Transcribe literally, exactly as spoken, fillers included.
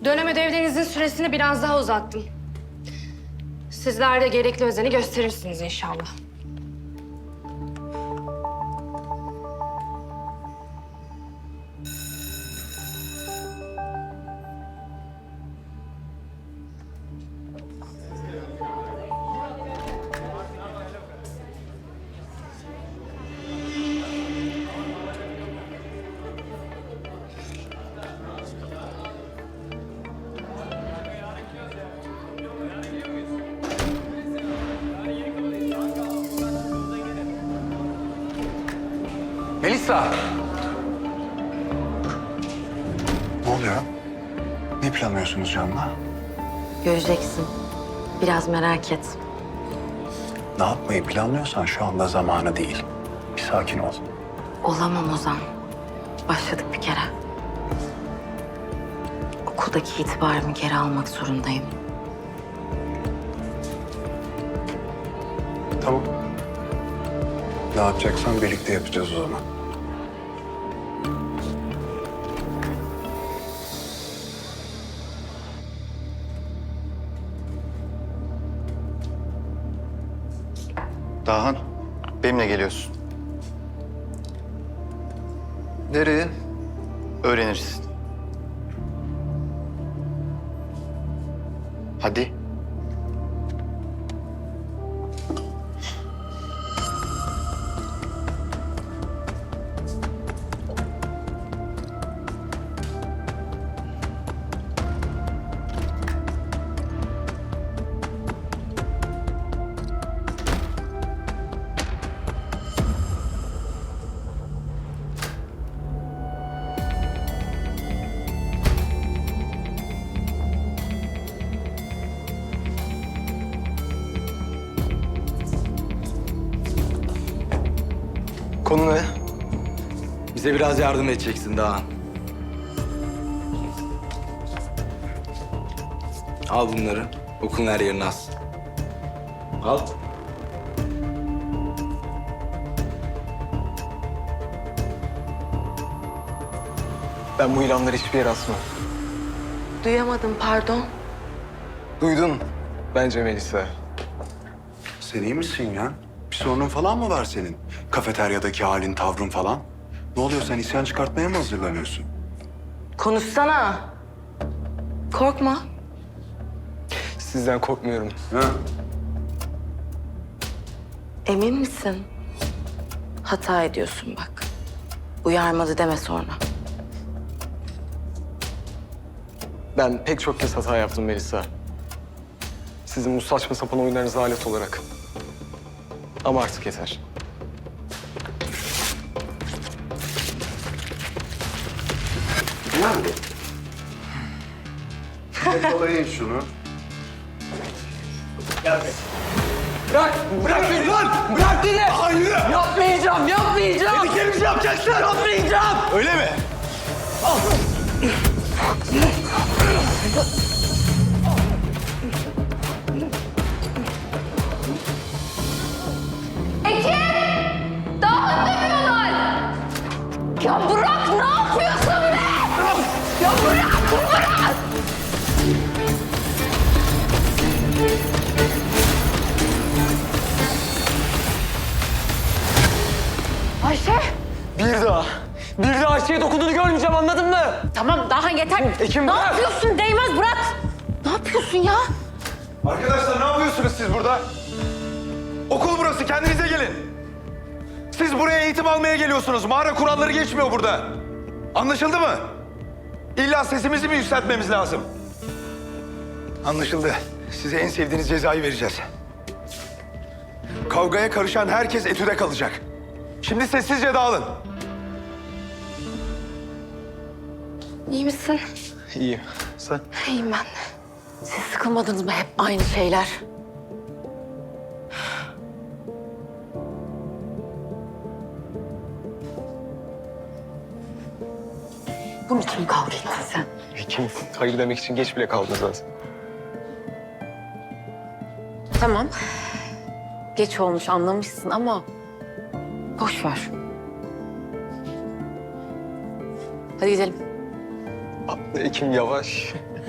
Dönem ödevlerinizin süresini biraz daha uzattım. Sizler de gerekli özeni gösterirsiniz inşallah. Melisa! Ne oluyor? Ne planlıyorsunuz Can'la? Göreceksin. Biraz merak et. Ne yapmayı planlıyorsan şu anda zamanı değil. Bir sakin ol. Olamam Ozan. Başladık bir kere. Okuldaki itibarımı geri almak zorundayım. Tamam. Ne yapacaksan birlikte yapacağız o zaman. Dahan, benimle geliyorsun. Nereye? Öğrenirsin. Hadi. Konu ne? Bize biraz yardım edeceksin Dağhan. Al bunları. Okulun her yerine as. Al. Ben bu ilanları hiçbir yere asmam. Duyamadım, pardon. Duydun bence Melisa. Sen iyi misin ya? Bir sorunun falan mı var senin? Kafeteryadaki halin, tavrın falan. Ne oluyor, sen isyan çıkartmaya mı hazırlanıyorsun? Konuşsana. Korkma. Sizden korkmuyorum. Ha? Emin misin? Hata ediyorsun bak. Uyarmadı deme sonra. Ben pek çok kez hata yaptım Melisa. Sizin bu saçma sapan oyunlarınıza alet olarak. Ama artık yeter. Nerede? Yakalayın şunu. Bırak! Bırak beni lan! Bırak beni! Hayır! Yapmayacağım! Yapmayacağım! Dediklerimizi yapacaksın! Yapmayacağım! Öyle mi? Ekim! Daha demiyorlar! Ya bırak, ne yapıyorsun be? Ya bırak, bırak! Ayşe! Bir daha, bir daha Ayşe'ye dokunduğunu görmeyeceğim, anladın mı? Tamam, daha yeter. Ekim, ne bırak! yapıyorsun? Değmez, bırak! Ne yapıyorsun ya? Arkadaşlar ne yapıyorsunuz siz burada? Okul burası, kendinize gelin. Siz buraya eğitim almaya geliyorsunuz. Mağara kuralları geçmiyor burada. Anlaşıldı mı? İlla sesimizi mi yükseltmemiz lazım? Anlaşıldı. Size en sevdiğiniz cezayı vereceğiz. Kavgaya karışan herkes etüde kalacak. Şimdi sessizce dağılın. İyi misin? İyiyim. Sen? İyiyim ben de. Siz sıkılmadınız mı hep aynı şeyler? Bunun için mi kavga ettin sen? Ekim, hayır demek için geç bile kaldınız zaten. Tamam. Geç olmuş anlamışsın ama boş ver. Hadi gidelim. Ekim yavaş.